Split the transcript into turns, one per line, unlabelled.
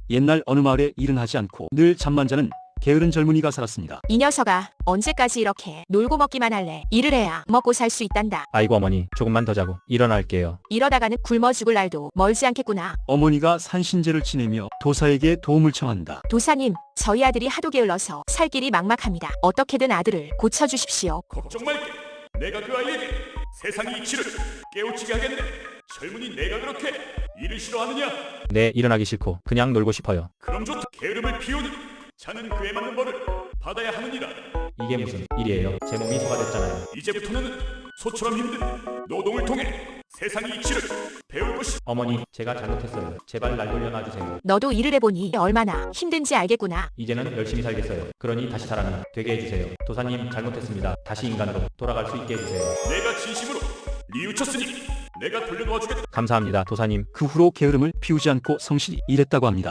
옛날 어느 마을에 일은 하지 않고 늘 잠만 자는 게으른 젊은이가 살았습니다.
이 녀석아, 언제까지 이렇게 놀고 먹기만 할래? 일을 해야 먹고 살 수 있단다.
아이고 어머니, 조금만 더 자고 일어날게요.
이러다가는 굶어 죽을 날도 멀지 않겠구나.
어머니가 산신제를 지내며 도사에게 도움을 청한다.
도사님, 저희 아들이 하도 게을러서 살 길이 막막합니다. 어떻게든 아들을 고쳐주십시오.
걱정 말게. 내가 그 아이에게 세상의 이치를 깨우치게 하겠네. 젊은이 내가 그렇게 일을 싫어하느냐?
네, 일어나기 싫고 그냥 놀고 싶어요.
그럼 좋다. 게으름을 피우니 자는 그에 맞는 벌을 받아야 하느니라.
이게 무슨 일이에요? 제 몸이 소가 됐잖아요.
이제부터는 소처럼 힘든 노동을 통해 세상의 이치를 배울 것이.
어머니, 제가 잘못했어요. 제발 날 돌려놔주세요.
너도 일을 해보니 얼마나 힘든지 알겠구나.
이제는 열심히 살겠어요. 그러니 다시 사람이 되게 해주세요. 도사님, 잘못했습니다. 다시 인간으로 돌아갈 수 있게 해주세요.
내가 진심으로 뉘우쳤으니 내가 돌려놓아주겠다.
감사합니다, 도사님.
그 후로 게으름을 피우지 않고 성실히 일했다고 합니다.